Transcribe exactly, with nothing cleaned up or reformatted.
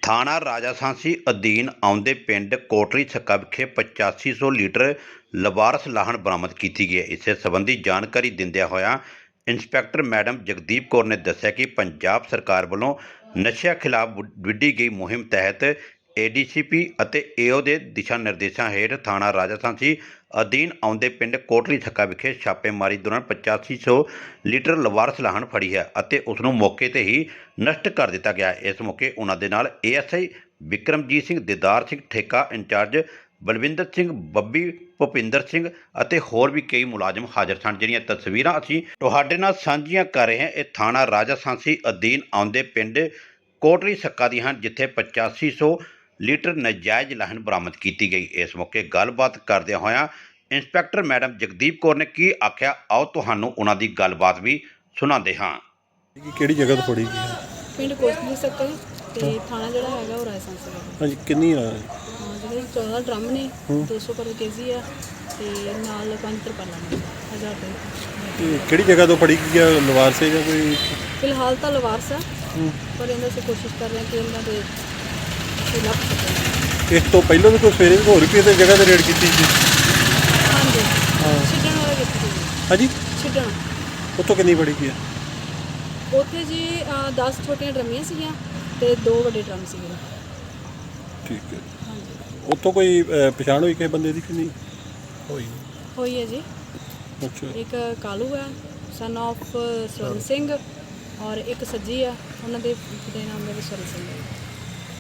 ਥਾਣਾ ਰਾਜਾਸਾਂਸੀ ਅਧੀਨ ਆਉਂਦੇ ਪਿੰਡ ਕੋਟਲੀ ਛੱਕਾ ਵਿਖੇ ਪਚਾਸੀ ਸੌ ਲੀਟਰ ਲਵਾਰਸ ਲਾਹਣ ਬਰਾਮਦ ਕੀਤੀ ਗਈ ਹੈ। ਇਸੇ ਸੰਬੰਧੀ ਜਾਣਕਾਰੀ ਦਿੰਦਿਆਂ ਹੋਇਆਂ ਇੰਸਪੈਕਟਰ ਮੈਡਮ ਜਗਦੀਪ ਕੌਰ ਨੇ ਦੱਸਿਆ ਕਿ ਪੰਜਾਬ ਸਰਕਾਰ ਵੱਲੋਂ ਨਸ਼ਿਆਂ ਖਿਲਾਫ ਵਿੱਢੀ ਗਈ ਮੁਹਿੰਮ ਤਹਿਤ ਏ ਡੀ ਸੀ ਪੀ ਅਤੇ ਏ ਓ ਦੇ ਦਿਸ਼ਾ ਨਿਰਦੇਸ਼ਾਂ ਹੇਠ ਥਾਣਾ ਰਾਜਾਸਾਂਸੀ ਅਧੀਨ ਆਉਂਦੇ ਪਿੰਡ ਕੋਟਲੀ ਛੱਕਾ ਵਿਖੇ ਛਾਪੇਮਾਰੀ ਦੌਰਾਨ ਪਚਾਸੀ ਸੌ ਲੀਟਰ ਲਵਾਰਸ ਲਾਹਣ ਫੜੀ ਹੈ ਅਤੇ ਉਸ ਨੂੰ ਮੌਕੇ 'ਤੇ ਹੀ ਨਸ਼ਟ ਕਰ ਦਿੱਤਾ ਗਿਆ। ਇਸ ਮੌਕੇ ਉਹਨਾਂ ਦੇ ਨਾਲ A S I Vikramjit Singh, Didar Singh ਠੇਕਾ ਇੰਚਾਰਜ, ਬਲਵਿੰਦਰ ਸਿੰਘ, ਬੱਬੀ, ਭੁਪਿੰਦਰ ਸਿੰਘ ਅਤੇ ਹੋਰ ਵੀ ਕਈ ਮੁਲਾਜ਼ਮ ਹਾਜ਼ਰ ਸਨ, ਜਿਹੜੀਆਂ ਤਸਵੀਰਾਂ ਅਸੀਂ ਤੁਹਾਡੇ ਨਾਲ ਸਾਂਝੀਆਂ ਕਰ ਰਹੇ ਹਾਂ। ਇਹ ਥਾਣਾ ਰਾਜਾਸਾਂਸੀ ਅਧੀਨ ਆਉਂਦੇ ਪਿੰਡ ਕੋਟਲੀ ਛੱਕਾ ਦੀਆਂ ਹਨ, ਜਿੱਥੇ ਪਚਾਸੀ ਸੌ ਲੀਟਰ ਨਜਾਇਜ਼ ਲਾਹਣ ਬਰਾਮਦ ਕੀਤੀ ਗਈ। ਇਸ ਮੌਕੇ ਗੱਲਬਾਤ ਕਰਦਿਆਂ ਹੋਇਆਂ ਇੰਸਪੈਕਟਰ ਮੈਡਮ ਜਗਦੀਪ ਕੌਰ ਨੇ ਕੀ ਆਖਿਆ, ਆਓ ਤੁਹਾਨੂੰ ਉਹਨਾਂ ਦੀ ਗੱਲਬਾਤ ਵੀ ਸੁਣਾਉਂਦੇ ਹਾਂ। ਕਿਹੜੀ ਜਗ੍ਹਾ ਤੋਂ ਫੜੀ ਗਈ? ਪਿੰਡ ਕੋਟਲੀ ਛੱਕਾ ਤੇ ਥਾਣਾ ਜਿਹੜਾ ਹੈਗਾ ਉਹ ਰਾਜਸਾਂਸੀ ਹੈ। ਹਾਂਜੀ, ਕਿੰਨੀ ਆ? ਹਾਂ, ਜਿਹੜੇ ਚੌਦਾਂ ਡਰਮ ਨੇ, ਦੋ ਸੌ ਪਰ ਕੇਜੀ ਆ ਤੇ ਨਾਲ ਪੰਜ ਤਰਪਾਲਾਂ ਨੇ ਹਜ਼ਾਰ ਰੁਪਏ। ਇਹ ਕਿਹੜੀ ਜਗ੍ਹਾ ਤੋਂ ਫੜੀ ਗਈ ਆ? ਲਵਾਰ ਸੇ ਜਾਂ ਕੋਈ? ਫਿਲਹਾਲ ਤਾਂ ਲਵਾਰਸ ਆ, ਪਰ ਇਹਨਾਂ ਅਸੀਂ ਕੋਸ਼ਿਸ਼ ਕਰ ਰਹੇ ਹਾਂ ਕਿ ਇਹਨਾਂ ਦੇ ਅਸੀਂ ਲੱਭ ਸਕੀਏ। ਇਸ ਤੋਂ ਪਹਿਲਾਂ ਵੀ ਕੋਈ ਸਵੇਰੇ ਹੋਰ ਵੀ ਕਿਸੇ ਜਗ੍ਹਾ ਤੇ ਰੇਡ ਕੀਤੀ ਸੀ? ਹਾਂਜੀ, ਹਾਂ। ਛਿੱਡਣ ਵਾਲਾ ਕੀਤੀ ਸੀ। ਹਾਂਜੀ, ਛਿੱਡਣ ਉੱਥੋਂ ਕਿੰਨੀ ਫੜੀ ਗਈ ਆ? ਉੱਥੇ ਜੀ ਦਸ ਛੋਟੀਆਂ ਡਰਮੀਆਂ ਸੀਗੀਆਂ ਤੇ ਦੋ ਵੱਡੇ ਡਰਮ ਸੀਗੇ। ਠੀਕ ਹੈ। ਹਾਂਜੀ, ਉੱਥੋਂ ਕੋਈ ਅਹ, ਪਛਾਣ ਹੋਈ ਕਿਸੇ ਬੰਦੇ ਦੀ ਕਿ ਨਹੀਂ ਹੋਈ? ਹੋਈ ਹੈ ਜੀ। ਅੱਛਾ, ਇੱਕ ਕਾਲੂ ਹੈ ਸਨ ਆਫ ਸਵਰਨ ਸਿੰਘ, ਔਰ ਇੱਕ ਸੱਜੀ ਆ, ਉਹਨਾਂ ਦੇ ਪਿਤਾ ਦਾ ਨਾਮ ਹੈ ਸਵਰਨ ਸਿੰਘ।